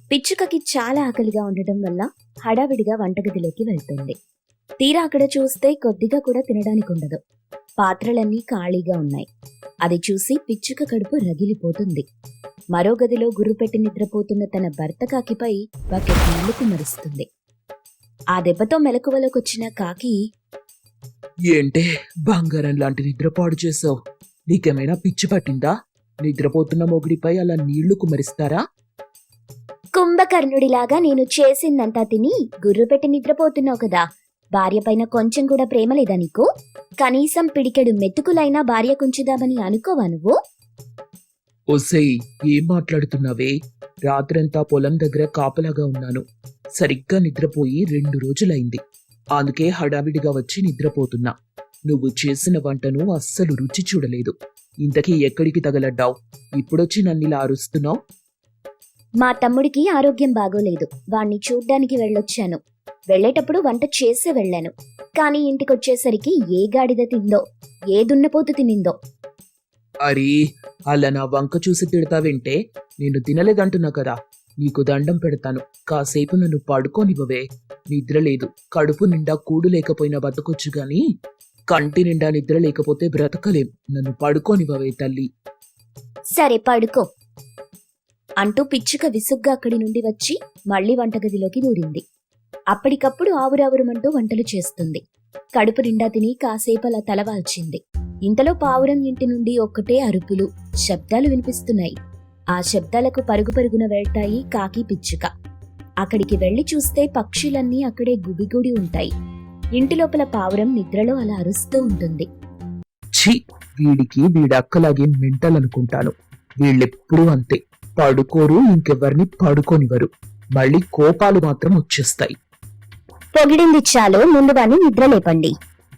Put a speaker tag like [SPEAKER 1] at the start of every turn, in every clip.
[SPEAKER 1] పిచ్చుకకి చాలా ఆకలిగా ఉండటం వల్ల హడావిడిగా వంటగదిలోకి వెళ్తుంది. తీరా అక్కడ చూస్తే కొద్దిగా కూడా తినడానికి ఉండదు. పాత్రలన్నీ ఖాళీగా ఉన్నాయి. అది చూసి పిచ్చుక కడుపు రగిలిపోతుంది. మరో గదిలో గుర్రుపెట్టి నిద్రపోతున్న తన భర్త కాకిపై బకెట్ నీళ్లు కుమ్మరిస్తుంది. ఆ దెబ్బతో మెలకువలోకొచ్చిన కాకి,
[SPEAKER 2] ఏంటే బంగారం లాంటి నిద్ర పాడు చేసావు? నీకేమైనా పిచ్చి పట్టిందా? నిద్రపోతున్న మొగుడిపై అలా నీళ్లు కుమరిస్తారా?
[SPEAKER 1] కుంభకర్ణుడిలాగా నేను చేసిందంతా తిని గుర్రుపెట్టి నిద్రపోతున్నావు కదా, భార్య పైన కొంచెం కూడా ప్రేమ లేదా నీకు? కనీసం పిడికెడు మెతుకులైనా భార్య కుంచుదామని అనుకోవా నువ్వు?
[SPEAKER 2] ఒసేయ్, ఏం మాట్లాడుతున్నావే? రాత్రంతా పొలం దగ్గర కాపలాగా ఉన్నాను. సరిగ్గా నిద్రపోయి 2 రోజులైంది. అందుకే హడావిడిగా వచ్చి నిద్రపోతున్నా. నువ్వు చేసిన వంటను అస్సలు రుచి చూడలేదు. ఇంతకీ ఎక్కడికి తగలడ్డావు? ఇప్పుడొచ్చి నన్నిలా అరుస్తున్నావు?
[SPEAKER 1] మా తమ్ముడికి ఆరోగ్యం బాగోలేదు. వాణ్ణి చూడ్డానికి వెళ్ళొచ్చాను. వెళ్లేటప్పుడు వంట చేసే వెళ్ళాను. కానీ ఇంటికొచ్చేసరికి ఏ గాడిద తిందో, ఏ దున్నపోతు తినిందో.
[SPEAKER 2] అరే, అలా నా వంక చూసి తిడతావేంటే? నేను తినలేదంటున్నా కదా. నీకు దండం పెడతాను. కాసేపు నన్ను పడుకోనివ్వవే. నిద్ర లేదు. కడుపు నిండా కూడు లేకపోయినా బతకొచ్చు గాని కంటి నిండా నిద్ర లేకపోతే బ్రతకలేం. నన్ను పడుకోనివ్వవే తల్లి.
[SPEAKER 1] సరే పడుకో అంటూ పిచ్చుక విసుగ్గా అక్కడి నుండి వచ్చి మళ్లీ వంటగదిలోకి దూరింది. అప్పటికప్పుడు ఆవురావురమంటూ వంటలు చేస్తుంది. కడుపు నిండా తిని కాసేపలా తలవాల్చింది. ఇంతలో పావురం ఇంటి నుండి ఒక్కటే అరుపులు, శబ్దాలు వినిపిస్తున్నాయి. ఆ శబ్దాలకు పరుగు పరుగున వెళ్తాయి కాకి, పిచ్చుక. అక్కడికి వెళ్లి చూస్తే పక్షులన్నీ అక్కడే గుబిగూడి ఉంటాయి. ఇంటి లోపల పావురం నిద్రలో అలా అరుస్తూ ఉంటుంది.
[SPEAKER 2] ఛీ, వీడికి వీడక్కలాగే మెంటలనుకుంటాను. వీళ్ళెప్పుడూ అంతే. పడుకోరు, ఇంకెవరిని పడుకోనివ్వరు. మళ్ళీ కోపాలు మాత్రం వచ్చేస్తాయి.
[SPEAKER 1] పొగిడింది చాలు, ముందు వాణ్ణి నిద్రలేపండి.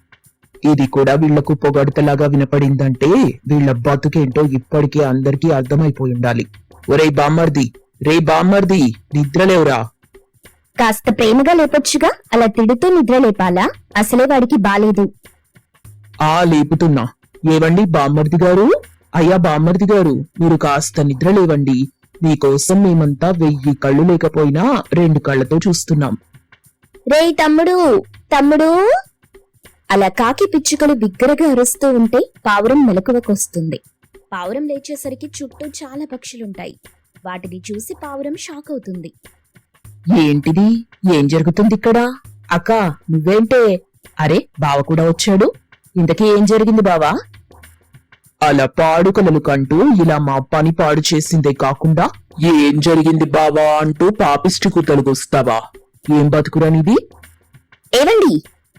[SPEAKER 2] ఇది కూడా వీళ్లకు పొగడతలాగా వినపడిందంటే వీళ్ల బతుకేంటో ఇప్పటికే అందరికీ అర్థమైపోయి ఉండాలి. ఒరేయ్ బామ్మర్ది, రే బామ్మర్ది, నిద్రలేవురా?
[SPEAKER 1] కాస్త ప్రేమగా లేపొచ్చుగా, అలా తిడుతూ నిద్రలేపాలా? అసలే వాడికి బాలేదు.
[SPEAKER 2] లేపుతున్నా. ఏవండి బామ్మర్ది గారు? అయ్యా బామ్మర్ది గారు, మీరు కాస్త నిద్రలేవండి. మీకోసం మేమంతా 1000 కళ్ళు లేకపోయినా 2 కళ్ళతో చూస్తున్నాం.
[SPEAKER 1] రే తమ్ముడు, తమ్ముడు! అలా కాకి, పిచ్చుకలు బిగ్గరగా అరుస్తూ ఉంటే పావురం మెలకువకొస్తుంది. పావురం లేచేసరికి చుట్టూ చాలా పక్షులుంటాయి. వాటిని చూసి పావురం షాక్ అవుతుంది.
[SPEAKER 2] ఏంటిది? ఏం జరుగుతుంది ఇక్కడ? అక్క, నువ్వేంటే? అరే, బావ కూడా వచ్చాడు. ఇంతకీ ఏం జరిగింది బావా? అలా పాడుకలలు కంటూ ఇలా మా పని పాడు చేసిందే కాకుండా ఏం జరిగింది బావా అంటూ పాపిష్టి కూతలుగొస్తావా? ఏం బతుకురానిది?
[SPEAKER 1] ఏవండి?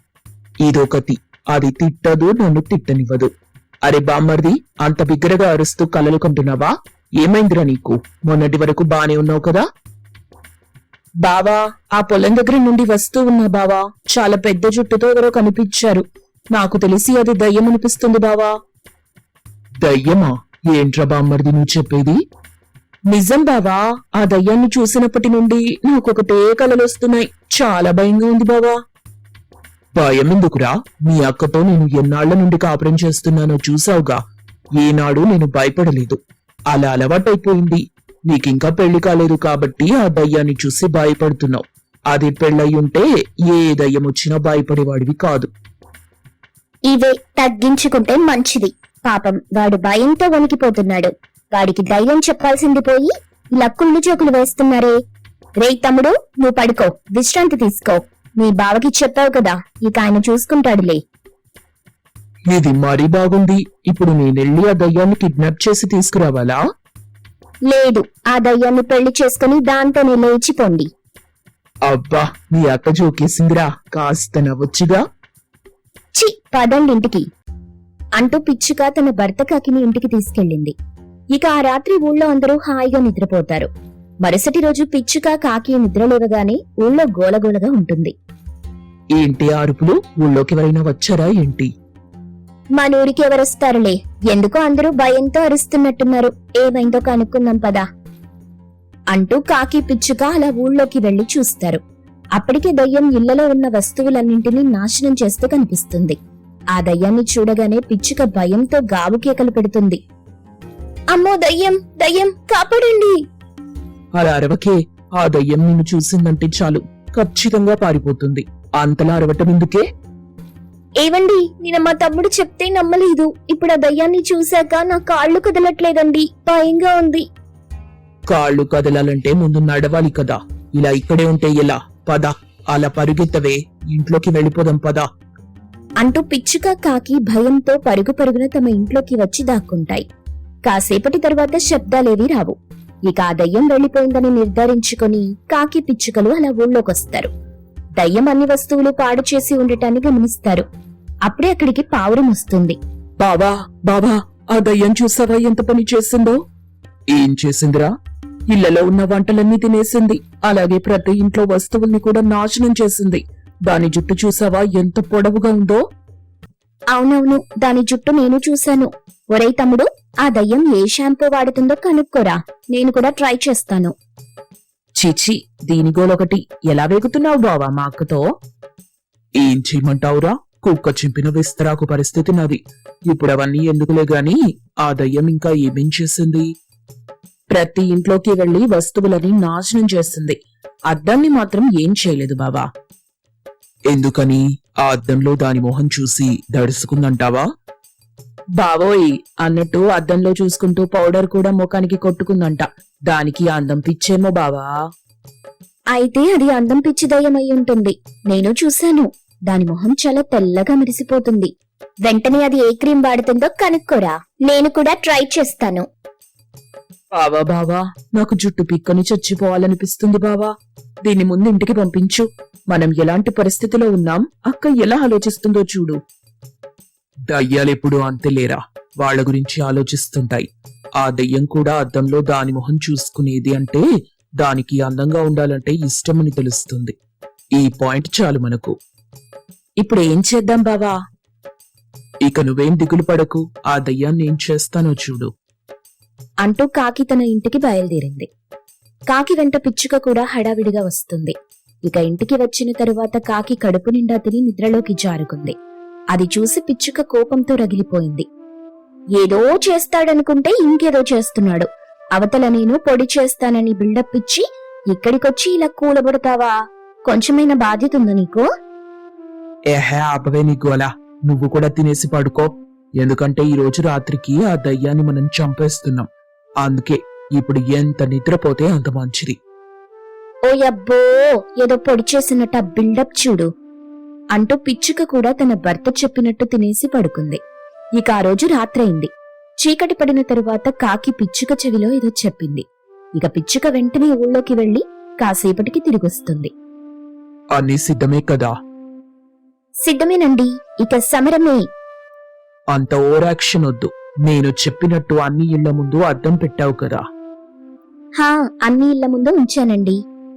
[SPEAKER 2] ఇదొకటి. అది తిట్టదు, నన్ను తిట్టనివ్వదు. అరే బామ్మర్ది, అంత బిగ్గరగా అరుస్తూ కలలు కంటున్నావా? ఏమైందిరా నీకు? మొన్నటి వరకు బానే ఉన్నావు కదా? బావా, ఆ పొలం దగ్గర నుండి వస్తూ ఉన్నా బావా. చాలా పెద్ద జుట్టుతో ఎవరో కనిపించారు. నాకు తెలిసి అది దయ్యం అనిపిస్తుంది బావా. దయ్యమా? ఏంట్రా బామ్మర్ది నువ్వు చెప్పేది? నిజం బావా. ఆ దయ్యాన్ని చూసినప్పటి నుండి నాకొకటే కలలొస్తున్నాయి. చాలా భయంగా ఉంది బావా. భయం ఎందుకురా? మీ అక్కతో నేను ఎన్నాళ్ల నుండి కాపురం చేస్తున్నానో చూసావుగా. ఏనాడు నేను భయపడలేదు. అలా అలవాటైపోయింది. నీకింకా పెళ్లి కాలేదు కాబట్టి ఆ దయ్యాన్ని చూసి భయపడుతున్నావు. అది పెళ్ళయ్యుంటే ఏ దయ్యం వచ్చినా భయపడేవాడివి కాదు.
[SPEAKER 1] ఇవే తగ్గించుకుంటే మంచిది. పాపం వాడు భయంతో వణికిపోతున్నాడు. వాడికి ధైర్యం చెప్పాల్సింది పోయి ఇలా కుళ్ళు జోకులు వేస్తున్నారే. రే తమ్ముడు, నువ్వు పడుకో, విశ్రాంతి తీసుకో. మీ బావకి చెప్పావు కదా, ఇక ఆయన చూసుకుంటాడులే.
[SPEAKER 2] ఇది మరీ బాగుంది. ఇప్పుడు నేనెళ్ళి ఆ దయ్యాన్ని కిడ్నాప్ చేసి తీసుకురావాలా?
[SPEAKER 1] లేదు, ఆ దయ్యాన్ని పెళ్లి చేసుకుని దాంతోనే లేచిపోండి.
[SPEAKER 2] అబ్బా, మీ అక్క జోకేసిందిరా. కాస్త నవ్వొచ్చుగా.
[SPEAKER 1] చి, పదండి ఇంటికి అంటూ పిచ్చుక తన భర్త కాకిని ఇంటికి తీసుకెళ్ళింది. ఇక ఆ రాత్రి ఊళ్ళో అందరూ హాయిగా నిద్రపోతారు. మరుసటి రోజు పిచ్చుక, కాకి నిద్రలేవగానే ఊళ్ళో గోలగోలగా ఉంటుంది.
[SPEAKER 2] ఏంటి అరుపులు? ఊళ్ళోకి ఎవరైనా వచ్చారా ఏంటి?
[SPEAKER 1] మనూరికి ఎవరొస్తారులే, ఎందుకో అందరూ భయంతో అరుస్తున్నట్టున్నారు. ఏమైందో కనుక్కుందాం పదా అంటూ కాకి, పిచ్చుక అలా ఊళ్ళోకి వెళ్లి చూస్తారు. అప్పటికే దయ్యం ఇళ్లలో ఉన్న వస్తువులన్నింటినీ నాశనం చేస్తూ కనిపిస్తుంది. ఆ దయ్యాన్ని చూడగానే పిచ్చుక భయంతో గావు కేకలు పెడుతుంది. అమ్మో దయ్యం, దయ్యం, కాపాడండి!
[SPEAKER 2] అలా అరవకే. ఆ దయ్యం నిన్ను చూసిందంటే చాలు ఖచ్చితంగా పారిపోతుంది. అంతలా అరవటం ఎందుకే?
[SPEAKER 1] ఏవండి, నేను మా తమ్ముడు చెప్తే నమ్మలేదు. ఇప్పుడు ఆ దయ్యాన్ని చూశాక నా కాళ్ళు కదలట్లేదండి, భయంగా ఉంది.
[SPEAKER 2] కాళ్ళు కదలాలంటే ముందు నడవాలి కదా. ఇలా ఇక్కడే ఉంటే ఎలా? పద, అలా పరుగెత్తవే, ఇంట్లోకి వెళ్ళిపోదాం పద.
[SPEAKER 1] అంటూ పిచ్చుక కాకి భయంతో పరుగు పరుగున తమ ఇంట్లోకి వచ్చి దాక్కుంటాయి. కాసేపటి తరువాత శబ్దాలేవీ రావు. ఇక ఆ దయ్యం వెళ్లిపోయిందని నిర్ధారించుకొని కాకి పిచ్చుకలు అలా ఊళ్ళోకొస్తారు. దయ్యం అన్ని వస్తువులు పాడు చేసి ఉండటాన్ని గమనిస్తారు. అప్పుడే అక్కడికి పావురం వస్తుంది.
[SPEAKER 2] బావా బావా, ఆ దయ్యం చూసావా ఎంత పని చేసిందో? ఏం చేసిందిరా? ఇళ్లలో ఉన్న వంటలన్నీ తినేసింది. అలాగే ప్రతి ఇంట్లో వస్తువుల్ని కూడా నాశనం చేసింది. దాని జుట్టు చూసావా ఎంత పొడవుగా ఉందో?
[SPEAKER 1] అవునవును, దాని జుట్టు నేను చూశాను. ఒరేయ్ తమ్ముడు, ఆ దయ్యం ఏ షాంపూ వాడుతుందో కనుక్కోరా, నేను కూడా ట్రై చేస్తాను.
[SPEAKER 2] చీచి, దీని గోలొకటి. ఎలా వేగుతున్నావు బావా మా అక్కతో? ఏం చేయమంటావురా? కుక్క చింపిన విస్తరాకు పరిస్థితి నాది. ఇప్పుడు అవన్నీ ఎందుకులే గాని ఆ దయ్యం ఇంకా ఏమేం చేసింది? ప్రతి ఇంట్లోకి వెళ్లి వస్తువులని నాశనం చేస్తుంది. అద్దాన్ని మాత్రం ఏం చేయలేదు బావా. ఎందుకని? ఆ అద్దంలో దాని మొహం చూసి దడుసుకుందంటావా? బావోయ్, అన్నట్టు అద్దంలో చూసుకుంటూ పౌడర్ కూడా ముఖానికి కొట్టుకుందంట. దానికి అందం పిచ్చేమో బావా.
[SPEAKER 1] అయితే అది అందం పిచ్చి దయ్యం అయి ఉంటుంది. నేను చూశాను. దాని మొహం చాలా తెల్లగా మెరిసిపోతుంది. వెంటనే అది ఏ క్రీమ్ వాడుతుందో కనుక్కోరా, నేను కూడా ట్రై చేస్తాను.
[SPEAKER 2] బావా బావా, నాకు జుట్టు పిక్కని చచ్చిపోవాలనిపిస్తుంది బావా. దీన్ని ముందు ఇంటికి పంపించు. మనం ఎలాంటి పరిస్థితిలో ఉన్నాం, అక్క ఎలా ఆలోచిస్తుందో చూడు. దయ్యాలెప్పుడు అంతేలేరా, వాళ్ల గురించి ఆలోచిస్తుంటాయి. ఆ దయ్యం కూడా అద్దంలో దాని మొహం చూసుకునేది అంటే దానికి అందంగా ఉండాలంటే ఇష్టమని తెలుస్తుంది. ఈ పాయింట్ చాలు మనకు. ఇప్పుడు ఏం చేద్దాం బావా? ఇక నువ్వేం దిగులు పడకు, ఆ దయ్యాన్ని ఏం చేస్తానో చూడు
[SPEAKER 1] అంటూ కాకి తన ఇంటికి బయలుదేరింది. కాకి వెంట పిచ్చుక కూడా హడావిడిగా వస్తుంది. ఇక ఇంటికి వచ్చిన తరువాత కాకి కడుపు నిండా తిని నిద్రలోకి జారుకుంది. అది చూసి పిచ్చుక కోపంతో రగిలిపోయింది. ఏదో చేస్తాడనుకుంటే ఇంకేదో చేస్తున్నాడు. అవతల నేను పొడి చేస్తానని బిల్డప్ ఇచ్చి ఇక్కడికొచ్చి ఇలా కూలబడతావా? కొంచెమైనా బాధ్యత ఉందా నీకు?
[SPEAKER 2] ఏహే ఆపవే నీకు అలా. నువ్వు కూడా తినేసి పడుకో. ఎందుకంటే ఈ రోజు రాత్రికి ఆ దయ్యాన్ని మనం చంపేస్తున్నాం. అందుకే ఇప్పుడు ఎంత నిద్రపోతే అంత మంచిది.
[SPEAKER 1] ఓ యబ్బో, ఏదో పొడి చేసినట్టు ఆ బిల్డప్ చూడు అంటూ పిచ్చుక కూడా తన భర్త చెప్పినట్టు తినేసి పడుకుంది. ఇక ఆ రోజు రాత్రయింది. చీకటి పడిన తరువాత కాకి పిచ్చుక చెవిలో ఏదో చెప్పింది. ఇక పిచ్చుక వెంటనే ఊళ్ళోకి వెళ్లి కాసేపటికి తిరిగొస్తుంది.
[SPEAKER 2] అన్నీ సిద్ధమే కదా?
[SPEAKER 1] సిద్ధమేనండి, ఇక సమరమే.
[SPEAKER 2] అంత ఓరాక్షన్ వద్దు. నేను చెప్పినట్టు అన్ని ఇళ్ల ముందు అద్దం పెట్టావు కదా?
[SPEAKER 1] హా, అన్ని ఇళ్ల ముందు ఉంచానండి.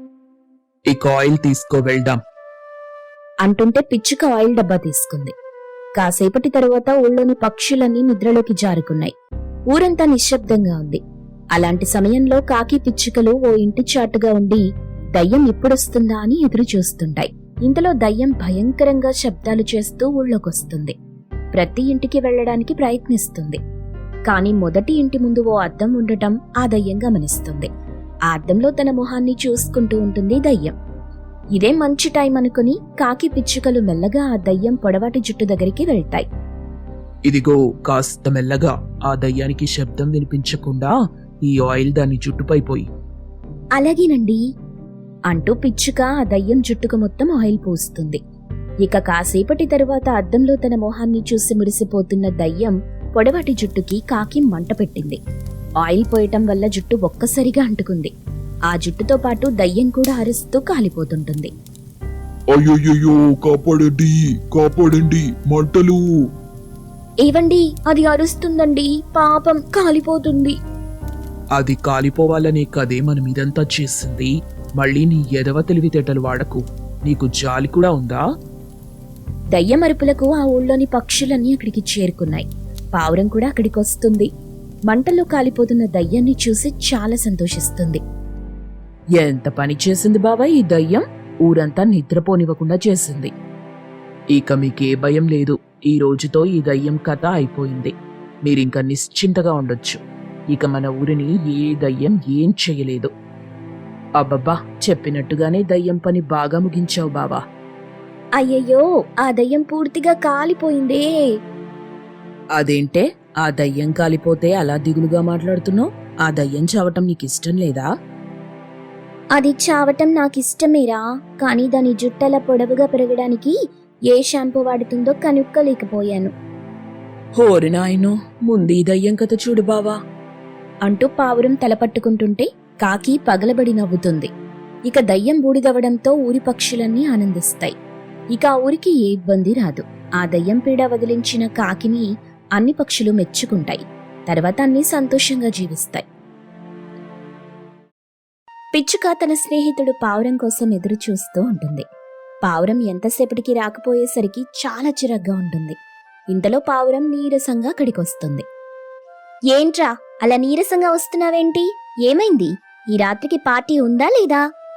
[SPEAKER 2] ఇక ఆయిల్ తీసుకో, వెళ్దాం
[SPEAKER 1] అంటుంటే పిచ్చుక ఆయిల్ డబ్బా తీసుకుంది. కాసేపటి తరువాత ఊళ్ళోని పక్షులన్నీ నిద్రలోకి జారుకున్నాయి. ఊరంతా నిశ్శబ్దంగా ఉంది. అలాంటి సమయంలో కాకి పిచ్చుకలు ఓ ఇంటి చాటుగా ఉండి దయ్యం ఎప్పుడొస్తుందా అని ఎదురు చూస్తుంటాయి. ఇంతలో దయ్యం భయంకరంగా శబ్దాలు చేస్తూ ఊళ్ళోకొస్తుంది. ప్రతి ఇంటికి వెళ్లడానికి ప్రయత్నిస్తుంది. కాని మొదటి ఇంటి ముందు ఓ అద్దం ఉండటం ఆ దయ్యం గమనిస్తుంది. ఆ అద్దంలో తన మొహాన్ని చూసుకుంటూ ఉంటుంది దయ్యం. ఇదే మంచి టైం అనుకుని కాకి పిచ్చుకలు మెల్లగా ఆ దయ్యం పొడవాటి జుట్టు దగ్గరికి వెళ్తాయి.
[SPEAKER 2] ఇదిగో, కాస్త మెల్లగా. ఆ దయ్యానికి శబ్దం వినిపించకుండా ఈ ఆయిల్ దాని జుట్టుపై పోయి.
[SPEAKER 1] అలాగేనండి అంటూ పిచ్చుక ఆ దయ్యం జుట్టుకు మొత్తం ఆయిల్ పోస్తుంది. ఇక కాసేపటి తరువాత అద్దంలో తన మొహాన్ని చూసి మురిసిపోతున్న దయ్యం పొడవాటి జుట్టుకి కాకి మంట పెట్టింది. ఆయిల్ పోయటం వల్ల జుట్టు ఒక్కసారిగా అంటుకుంది. ఆ జుట్టుతో పాటు దయ్యం కూడా అరుస్తూ కాలిపోతుంటుంది.
[SPEAKER 3] అయ్యయ్యో, కాపాడండి కాపాడండి, మంటలు!
[SPEAKER 1] ఏవండి, అది అరుస్తుందండి, పాపం కాలిపోతుంది.
[SPEAKER 2] అది కాలిపోవాలనే కదే మనం ఇదంతా చేసింది. మళ్ళీ నీ ఎదవ తెలివితేటలు వాడకు. నీకు జాలి కూడా ఉందా?
[SPEAKER 1] దయ్యం అరుపులకు ఆ ఊళ్ళోని పక్షులన్నీ అక్కడికి చేరుకున్నాయి. పావురం కూడా అక్కడికి వస్తుంది. మంటల్లో కాలిపోతున్న దయ్యాన్ని చూసి చాలా సంతోషిస్తుంది.
[SPEAKER 2] ఎంత పని చేసింది బాబా ఈ దయ్యం! ఊరంతా నిద్రపోనివ్వకుండా చేసింది. ఇక మీకే భయం లేదు. ఈ రోజుతో ఈ దయ్యం కథ అయిపోయింది. మీరింక నిశ్చింతగా ఉండొచ్చు. ఇక మన ఊరిని ఏ దయ్యం ఏం చెయ్యలేదు. అబ్బబ్బా, చెప్పినట్టుగానే దయ్యం పని బాగా ముగించావు బావా.
[SPEAKER 1] అయ్యయ్యో, ఆ దయ్యం పూర్తిగా కాలిపోయిందే.
[SPEAKER 2] అదేంటే ఆ దయ్యం కాలిపోతే అలా దిగులుగా మాట్లాడుతున్నావు? ఆ దయ్యం చావటం నీకిష్టం లేదా?
[SPEAKER 1] అది చావటం నాకిష్టమేరా, కానీ దాని జుట్టల పొడవుగా పెరగడానికి ఏ షాంపూ వాడుతుందో కనుక్కోలేకపోయాను
[SPEAKER 2] హోరి నాయనో, ముందు ఈ దయ్యం కథ చూడు బావా.
[SPEAKER 1] అంటూ పావురం తలపట్టుకుంటుంటే కాకి పగలబడి నవ్వుతుంది. ఇక దయ్యం బూడిదవడంతో ఊరి పక్షులన్నీ ఆనందిస్తాయి. ఇక ఆ ఊరికి ఏ ఇబ్బంది రాదు. ఆ దయ్యం పీడ వదిలించిన కాకిని అన్ని పక్షులు మెచ్చుకుంటాయి. తర్వాత అన్ని సంతోషంగా జీవిస్తాయి. పిచ్చుక తన స్నేహితుడు పావురం కోసం ఎదురు చూస్తూ ఉంటుంది. పావురం ఎంతసేపటికి రాకపోయేసరికి చాలా చిరాగ్గా ఉంటుంది. ఇంతలో పావురం నీరసంగా అక్కడికొస్తుంది. ఏంట్రా అలా నీరసంగా వస్తున్నావేంటి? ఏమైంది? ఈ రాత్రికి పార్టీ ఉందా లేదా?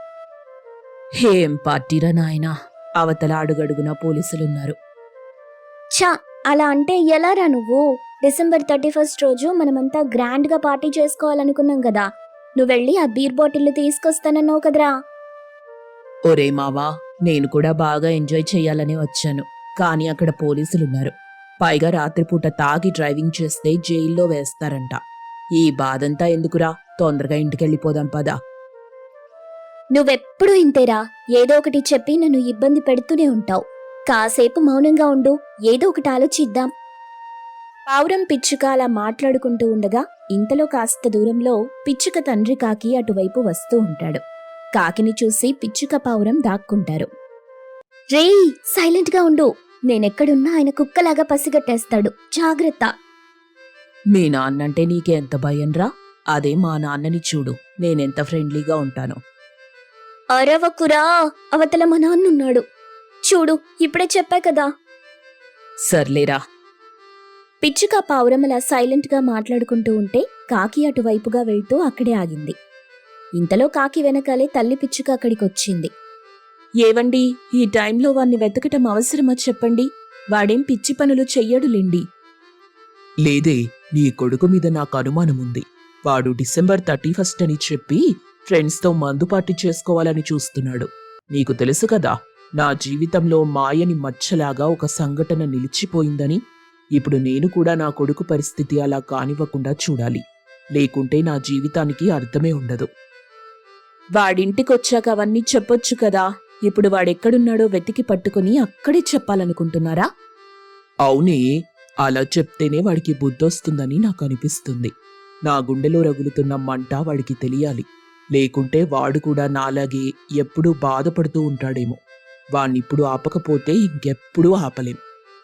[SPEAKER 2] ఏం పార్టీరా నాయనా, అవతల అడుగడుగునా పోలీసులున్నారు.
[SPEAKER 1] ఛా, అలా అంటే ఎలారా నువ్వు? డిసెంబర్ 31 రోజు మనమంతా గ్రాండ్ గా పార్టీ చేసుకోవాలనుకున్నాం కదా. నువ్వెళ్ళి ఆ బీర్ బాటిల్ తీసుకొస్తానన్నావు కదరా.
[SPEAKER 2] ఒరే మావా, నేను కూడా బాగా ఎంజాయ్ చెయ్యాలనే వచ్చాను, కానీ అక్కడ పోలీసులున్నారు. పైగా రాత్రిపూట తాగి డ్రైవింగ్ చేస్తే జైల్లో వేస్తారంట. ఈ బాధంతా ఎందుకురా, తొందరగా ఇంటికెళ్ళిపోదాం పదా.
[SPEAKER 1] నువ్వెప్పుడు ఇంతేరా, ఏదో ఒకటి చెప్పి నన్ను ఇబ్బంది పెడుతూనే ఉంటావు. కాసేపు మౌనంగా ఉండు, ఏదో ఒకటి ఆలోచిద్దాం. పావురం పిచ్చుక అలా మాట్లాడుకుంటూ ఉండగా ఇంతలో కాస్త దూరంలో పిచ్చుక తండ్రి కాకి అటువైపు వస్తూ ఉంటాడు. కాకిని చూసి పిచ్చుక పావురం దాక్కుంటారు. రేయ్, సైలెంట్ గా ఉండు, నేనెక్కడున్నా ఆయన కుక్కలాగా పసిగట్టేస్తాడు, జాగ్రత్త.
[SPEAKER 2] మీ నాన్నంటే నీకెంత భయంరా? అదే మా నాన్నని చూడు, నేనెంత ఫ్రెండ్లీగా ఉంటాను.
[SPEAKER 1] అరవకురా, అవతల మా నాన్నున్నాడు. చూడు, ఇప్పుడే చెప్పా కదా.
[SPEAKER 2] సర్లేరా.
[SPEAKER 1] పిచ్చుక పావురం అలా సైలెంట్ గా మాట్లాడుకుంటూ ఉంటే కాకి అటువైపుగా వెళ్తూ అక్కడే ఆగింది. ఇంతలో కాకి వెనకాలే తల్లి పిచ్చుక అక్కడికొచ్చింది.
[SPEAKER 2] ఏవండి, ఈ టైంలో వాణ్ణి వెతకటం అవసరమా చెప్పండి? వాడేం పిచ్చి పనులు చెయ్యడులేండి. లేదే, నీ కొడుకు మీద నాకు అనుమానముంది. వాడు డిసెంబర్ 31 అని చెప్పి ఫ్రెండ్స్తో మందు పార్టీ చేసుకోవాలని చూస్తున్నాడు. నీకు తెలుసు కదా, నా జీవితంలో మాయని మచ్చలాగా ఒక సంఘటన నిలిచిపోయిందని. ఇప్పుడు నేను కూడా నా కొడుకు పరిస్థితి అలా కానివ్వకుండా చూడాలి, లేకుంటే నా జీవితానికి అర్థమే ఉండదు. వాడింటికొచ్చాక అవన్నీ చెప్పొచ్చు కదా. ఇప్పుడు వాడెక్కడున్నాడో వెతికి పట్టుకుని అక్కడే చెప్పాలనుకుంటున్నారా? అవునే, అలా చెప్తేనే వాడికి బుద్ధొస్తుందని నాకు అనిపిస్తుంది. నా గుండెలో రగులుతున్న మంట వాడికి తెలియాలి, లేకుంటే వాడు కూడా నాలాగే ఎప్పుడూ బాధపడుతూ ఉంటాడేమో. వాణ్ణిప్పుడు ఆపకపోతే ఇంకెప్పుడూ ఆపలేం.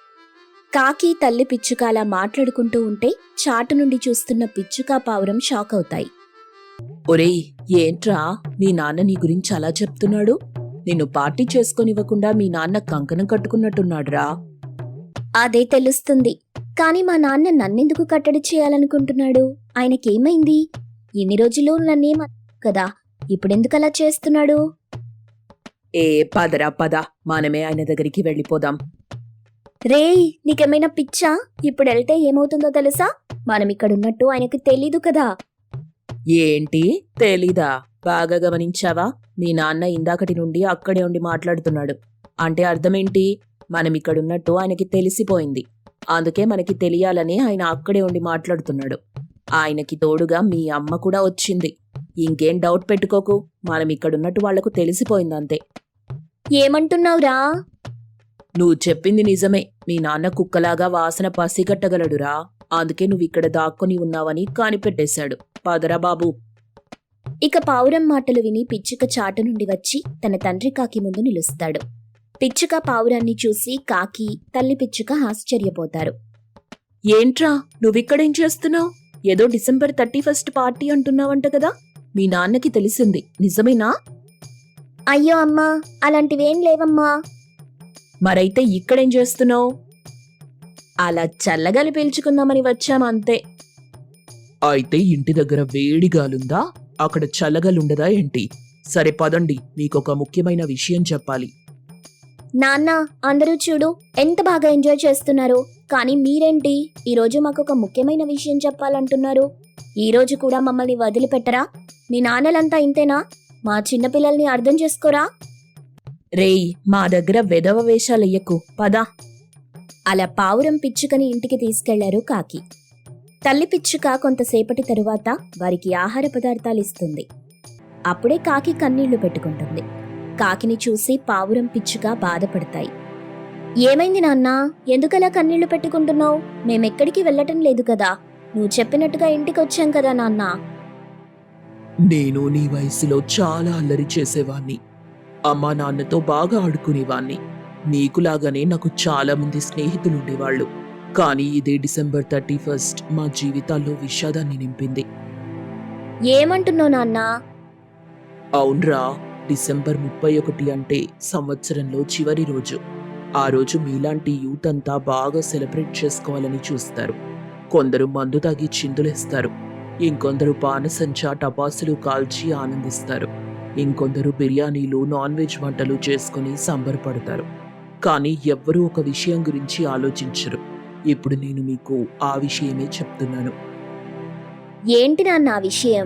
[SPEAKER 1] కాకి తల్లి పిచ్చుక అలా మాట్లాడుకుంటూ ఉంటే చాటు నుండి చూస్తున్న పిచ్చుక పావురం షాక్ అవుతాయి.
[SPEAKER 2] ఒరేయ్, ఏంట్రా మీ నాన్న నీ గురించి అలా చెప్తున్నాడు? నిన్ను పార్టీ చేసుకొనివ్వకుండా మీ నాన్న కంకణం కట్టుకున్నట్టున్నాడురా.
[SPEAKER 1] అదే తెలుస్తుంది, కాని మా నాన్న నన్నెందుకు కట్టడి చేయాలనుకుంటున్నాడు? ఆయనకేమైంది? ఇన్ని రోజులు నన్నేమ కదా, ఇప్పుడెందుకలా చేస్తున్నాడు?
[SPEAKER 2] ఏ పదరా పద, మనమే ఆయన దగ్గరికి వెళ్ళిపోదాం.
[SPEAKER 1] రేయ్, నీకేమైనా పిచ్చా? ఇప్పుడెళ్తే ఏమవుతుందో తెలుసా? మనం ఇక్కడున్నట్టు ఆయనకి తెలీదు కదా.
[SPEAKER 2] ఏంటి తెలీదా? బాగా గమనించావా? మీ నాన్న ఇందాకటి నుండి అక్కడే ఉండి మాట్లాడుతున్నాడు. అంటే అర్థమేంటి? మనం ఇక్కడున్నట్టు ఆయనకి తెలిసిపోయింది. అందుకే మనకి తెలియాలని ఆయన అక్కడే ఉండి మాట్లాడుతున్నాడు. ఆయనకి తోడుగా మీ అమ్మ కూడా వచ్చింది. ఇంకేం డౌట్ పెట్టుకోకు, మనం ఇక్కడున్నట్టు వాళ్లకు తెలిసిపోయిందంతే.
[SPEAKER 1] ఏమంటున్నావురా?
[SPEAKER 2] నువ్వు చెప్పింది నిజమే. మీ నాన్న కుక్కలాగా వాసన పసిగట్టగలడురా. అందుకే నువ్విక్కడ దాక్కుని ఉన్నావని కానిపెట్టేశాడు. పదరా బాబు.
[SPEAKER 1] ఇక పావురం మాటలు విని పిచ్చుక చాటు నుండి వచ్చి తన తండ్రి కాకి ముందు నిలుస్తాడు. పిచ్చుక పావురాన్ని చూసి కాకి తల్లి పిచ్చుక ఆశ్చర్యపోతారు.
[SPEAKER 2] ఏంట్రా నువ్విక్కడేం చేస్తున్నావు? ఏదో డిసెంబర్ 31 పార్టీ అంటున్నావంట కదా. మీ నాన్నకి తెలిసింది, నిజమేనా?
[SPEAKER 1] అయ్యో అమ్మా, అలాంటివేం లేవమ్మా.
[SPEAKER 2] మరైతే ఇక్కడేం చేస్తున్నావు? అలా చల్లగాలి పీల్చుకుందామని వచ్చామంతే. అయితే ఇంటి దగ్గర వేడిగాలుందా? అక్కడ చల్లగాలుండదా ఏంటి? సరే పదండి, మీకొక ముఖ్యమైన విషయం చెప్పాలి.
[SPEAKER 1] నాన్న, అందరూ చూడు ఎంత బాగా ఎంజాయ్ చేస్తున్నారు, కానీ మీరేంటి ఈరోజు మాకొక ముఖ్యమైన విషయం చెప్పాలంటున్నారు? ఈరోజు కూడా మమ్మల్ని వదిలిపెట్టరా? మీ నాన్నలంతా ఇంతేనా? మా చిన్నపిల్లల్ని అర్థం చేసుకోరా?
[SPEAKER 2] రేయ్, మా దగ్గర వెధవ వేషాలెయ్యకు, పదా.
[SPEAKER 1] అలా పావురం పిచ్చుకని ఇంటికి తీసుకెళ్లారు కాకి. తల్లి పిచ్చుక కొంతసేపటి తరువాత వారికి ఆహార పదార్థాలు ఇస్తుంది. అప్పుడే కాకి కన్నీళ్లు పెట్టుకుంటుంది. కాకిని చూసి పావురం పిచ్చుక బాధపడతాయి. ఏమైంది నాన్నా, ఎందుకలా కన్నీళ్లు పెట్టుకుంటున్నావు? మేమెక్కడికి వెళ్ళటం లేదు కదా, నువ్వు చెప్పినట్టుగా ఇంటికొచ్చాం కదా నాన్నా.
[SPEAKER 2] నేను నీ వయసులో చాలా అల్లరి చేసేవాణ్ణి. అమ్మా నాన్నతో బాగా ఆడుకునేవాణ్ణి. నీకులాగానే నాకు చాలా మంది స్నేహితులుండేవాళ్ళు. కానీ ఇదే December 31 మా జీవితాల్లో విషాదాన్ని నింపింది.
[SPEAKER 1] ఏమంటున్నావు నాన్నా?
[SPEAKER 2] అవునరా, December 31 అంటే సంవత్సరంలో చివరి రోజు. ఆ రోజు మీలాంటి యూత్ అంతా బాగా సెలబ్రేట్ చేసుకోవాలని చూస్తారు. కొందరు మందు తాగి చిందులేస్తారు, ఇంకొందరు బాణసంచా టపాసులు కాల్చి ఆనందిస్తారు, ఇంకొందరు బిర్యానీలు నాన్ వెజ్ వంటలు చేసుకుని సంబరపడతారు. కానీ ఎవ్వరూ ఒక విషయం గురించి ఆలోచించరు. ఇప్పుడు నేను మీకు ఆ విషయమే చెప్తున్నాను.
[SPEAKER 1] ఏంటి నాన్న ఆ విషయం?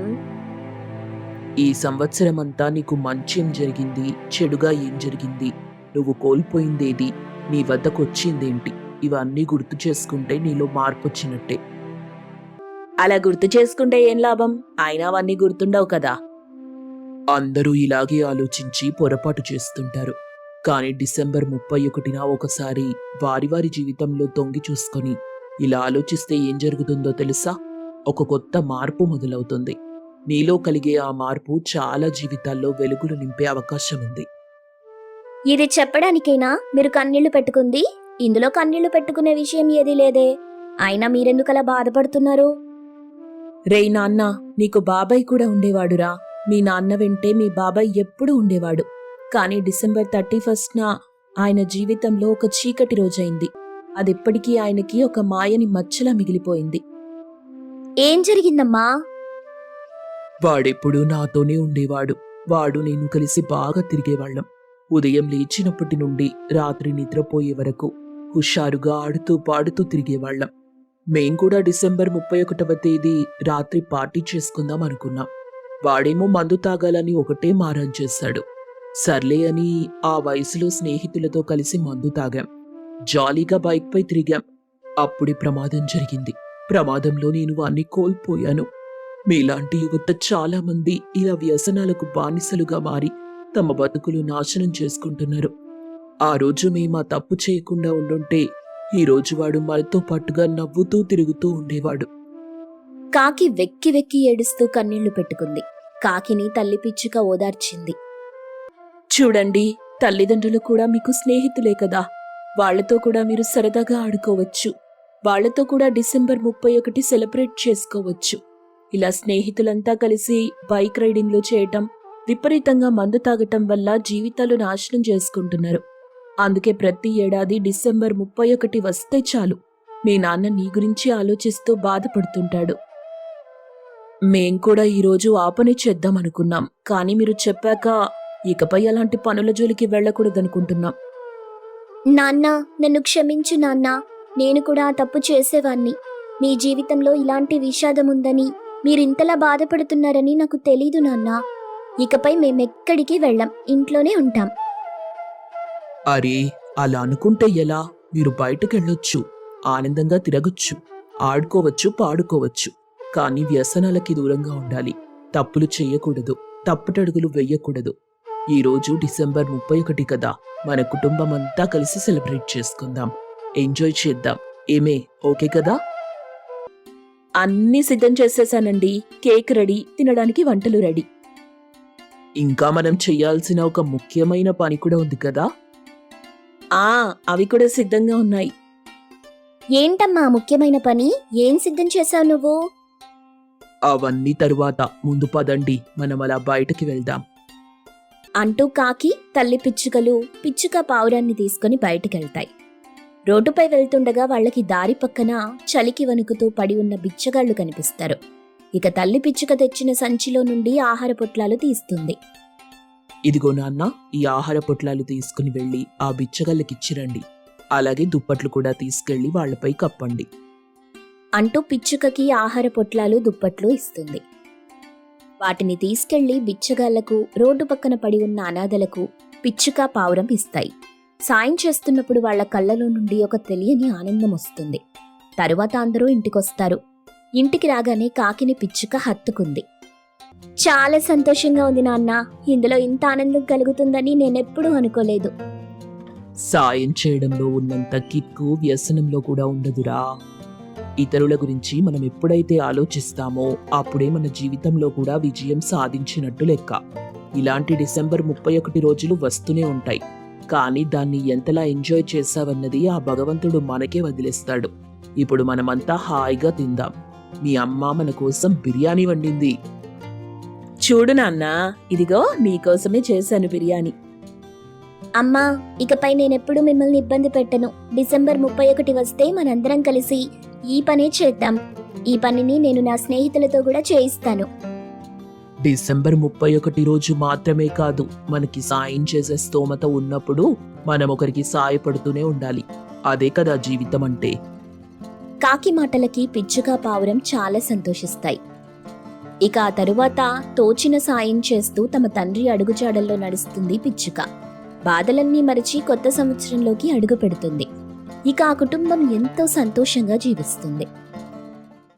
[SPEAKER 2] ఈ సంవత్సరం అంతా నీకు మంచేం జరిగింది, చెడుగా ఏం జరిగింది, నువ్వు కోల్పోయిందేది, నీ వద్దకు వచ్చిందేంటి, ఇవన్నీ గుర్తు చేసుకుంటే నీలో మార్పు వచ్చినట్టే. అలా గుర్తు చేసుకుంటే ఏం లాభం? అయినా అవన్నీ గుర్తుండవు కదా. అందరూ ఇలాగే ఆలోచించి పొరపాటు చేస్తుంటారు. కానీ December 31న ఒకసారి వారి వారి జీవితంలో తొంగి చూసుకొని ఇలా ఆలోచిస్తే ఏం జరుగుతుందో తెలుసా? ఒక కొత్త మార్పు మొదలవుతుంది. నీలో కలిగే ఆ మార్పు చాలా జీవితాల్లో వెలుగులు నింపే అవకాశం ఉంది.
[SPEAKER 1] ఇది చెప్పడానికైనా మీరు కన్నీళ్లు పెట్టుకుంది? ఇందులో కన్నీళ్లు పెట్టుకునే విషయం ఏదీ లేదే. అయినా మీరెందుకలా బాధపడుతున్నారు?
[SPEAKER 2] రేయ్ నాన్న, నీకు బాబాయ్ కూడా ఉండేవాడురా. మీ నాన్న వెంటే మీ బాబాయ్ ఎప్పుడూ ఉండేవాడు. కానీ December 31న ఆయన జీవితంలో ఒక చీకటి రోజైంది. అదెప్పటికీ ఆయనకి ఒక మాయని మచ్చలా మిగిలిపోయింది.
[SPEAKER 1] ఏం జరిగిందమ్మా?
[SPEAKER 2] వాడెప్పుడూ నాతోనే ఉండేవాడు. వాడు నేను కలిసి బాగా తిరిగేవాళ్ళం. ఉదయం లేచినప్పటి నుండి రాత్రి నిద్రపోయే వరకు హుషారుగా ఆడుతూ పాడుతూ తిరిగేవాళ్ళం. మేం కూడా December 31వ తేదీ రాత్రి పార్టీ చేసుకుందాం అనుకున్నాం. వాడేమో మందు తాగాలని ఒకటే మారం చేశాడు. సర్లే అని ఆ వయసులో స్నేహితులతో కలిసి మందు తాగాం. జాలీగా బైక్పై తిరిగాం. అప్పుడే ప్రమాదం జరిగింది. ప్రమాదంలో నేను వాణ్ణి కోల్పోయాను. మీలాంటి యువత చాలా మంది ఇలా వ్యసనాలకు బానిసలుగా మారి తమ బతుకులు నాశనం చేసుకుంటున్నారు. ఆ రోజు మేము ఆ తప్పు చేయకుండా ఉండుంటే ఈ రోజు వాడు మనతో పాటుగా నవ్వుతూ తిరుగుతూ ఉండేవాడు.
[SPEAKER 1] కాకి వెక్కి వెక్కి ఏడుస్తూ కన్నీళ్లు పెట్టుకుంది. కాకిని తల్లి పిచ్చుక ఓదార్చింది.
[SPEAKER 2] చూడండి, తల్లిదండ్రులు కూడా మీకు స్నేహితులే కదా. వాళ్లతో కూడా మీరు సరదాగా ఆడుకోవచ్చు. వాళ్లతో కూడా December 31 సెలబ్రేట్ చేసుకోవచ్చు. ఇలా స్నేహితులంతా కలిసి బైక్ రైడింగ్లు చేయటం, విపరీతంగా మందు తాగటం వల్ల జీవితాలు నాశనం చేసుకుంటున్నారు. అందుకే ప్రతి ఏడాది December 31 వస్తే చాలు మీ నాన్న నీ గురించి ఆలోచిస్తూ బాధపడుతుంటాడు. మేం కూడా ఈరోజు ఆ పని చేద్దామనుకున్నాం. కానీ మీరు చెప్పాక ఇకపై అలాంటి పనుల జోలికి వెళ్ళకూడదనుకుంటున్నాం.
[SPEAKER 1] నాన్నా, నన్ను క్షమించు నాన్నా. నేను కూడా ఆ తప్పు చేసేవాణ్ణి. మీ జీవితంలో ఇలాంటి విషాదముందని, మీరింతలా బాధపడుతున్నారని నాకు తెలీదు నాన్నా. ఇకపై మేమెక్కడికి వెళ్ళం, ఇంట్లోనే ఉంటాం.
[SPEAKER 2] అరే, అలా అనుకుంటే ఎలా? మీరు బయటకెళ్ళొచ్చు, ఆనందంగా తిరగొచ్చు, ఆడుకోవచ్చు, పాడుకోవచ్చు. కానీ వ్యసనాలకి దూరంగా ఉండాలి. తప్పులు చెయ్యకూడదు, తప్పుటడుగులు వెయ్యకూడదు. ఈరోజు December 31 కదా, మన కుటుంబం అంతా కలిసి సెలబ్రేట్ చేసుకుందాం, ఎంజాయ్ చేద్దాం. ఏమే, ఓకే కదా? అన్నీ సిద్ధం చేసేసానండి. కేక్ రెడీ, తినడానికి వంటలు రెడీ. ఇంకా మనం చెయ్యాల్సిన ఒక ముఖ్యమైన పని కూడా ఉంది కదా. అవి కూడా సిద్ధంగా ఉన్నాయి.
[SPEAKER 1] ఏంటమ్మా ముఖ్యమైన పని? ఏం సిద్ధం చేశావు నువ్వు?
[SPEAKER 2] అవన్నీ తరువాత, ముందు పదండి, మనం అలా బయటకి వెళ్దాం
[SPEAKER 1] అంటూ కాకి, తల్లి పిచ్చుకలు పిచ్చుక పావురాన్ని తీసుకుని బయటకెళ్తాయి. రోడ్డుపై వెళ్తుండగా వాళ్ళకి దారి పక్కన చలికి వణుకుతూ పడి ఉన్న బిచ్చగాళ్లు కనిపిస్తారు. ఇక తల్లి పిచ్చుక తెచ్చిన సంచిలో నుండి ఆహార పొట్లాలు తీస్తుంది.
[SPEAKER 2] ఇదిగో నాన్న, ఈ ఆహార పొట్లాలు తీసుకుని వెళ్ళి ఆ బిచ్చగాళ్ళకిచ్చిరండి. అలాగే దుప్పట్లు కూడా తీసుకెళ్లి వాళ్లపై కప్పండి
[SPEAKER 1] అంటూ పిచ్చుకకి ఆహార పొట్లాలు దుప్పట్లు ఇస్తుంది. వాటిని తీసుకెళ్లి బిచ్చగాళ్లకు, రోడ్డు పక్కన పడి ఉన్న అనాథలకు పిచ్చుక, పావురం ఇస్తాయి. సాయం చేస్తున్నప్పుడు వాళ్ల కళ్ళలో నుండి ఒక తెలియని ఆనందం వస్తుంది. తరువాత అందరూ ఇంటికొస్తారు. ఇంటికి రాగానే కాకిని పిచ్చుక హత్తుకుంది. చాలా సంతోషంగా ఉంది నాన్న, ఇందులో ఇంత ఆనందం కలుగుతుందని నేనెప్పుడూ అనుకోలేదు.
[SPEAKER 2] సాయం చేయడంలో ఉన్నంత కిక్కు వ్యసనంలో కూడా ఉండదురా. ఇతరుల గురించి మనం ఎప్పుడైతే ఆలోచిస్తామో అప్పుడే మన జీవితంలో కూడా విజయం సాధించినట్టు లెక్క. ఇలాంటి డిసెంబర్ 31 రోజులు వస్తూనే ఉంటాయి, కానీ దాన్ని ఎంతలా ఎంజాయ్ చేశావన్నది ఆ భగవంతుడు మనకే వదిలేస్తాడు. ఇప్పుడు మనమంతా హాయిగా తిందాం. మీ అమ్మ మన కోసం బిర్యానీ వండింది. చూడు నాన్న, ఇదిగో నీకోసమే చేశాను బిర్యానీ.
[SPEAKER 1] అమ్మా, ఇకపై నేనెప్పుడు మిమ్మల్ని ఇబ్బంది పెట్టను. డిసెంబర్ 31 వస్తే మనందరం కలిసి ఈ పనే చేద్దాం. ఈ పనిని నేను నా స్నేహితులతో కూడా చేయిస్తాను.
[SPEAKER 2] డిసెంబర్ 31 రోజు మాత్రమే కాదు, మనకి సాయం చేసే స్తోమత ఉన్నప్పుడు మనం ఒకరికి సాయపడుతూనే ఉండాలి. అదే కదా జీవితం అంటే.
[SPEAKER 1] కాకి మాటలకి పిచ్చుక, పావురం చాలా సంతోషిస్తాయి. ఇక ఆ తరువాత తోచిన సాయం చేస్తూ తమ తండ్రి అడుగుజాడల్లో నడుస్తుంది పిచ్చుక. బాధలన్నీ మరిచి కొత్త సంవత్సరంలోకి అడుగు పెడుతుంది. ఇక ఆ కుటుంబం ఎంతో సంతోషంగా జీవిస్తుంది.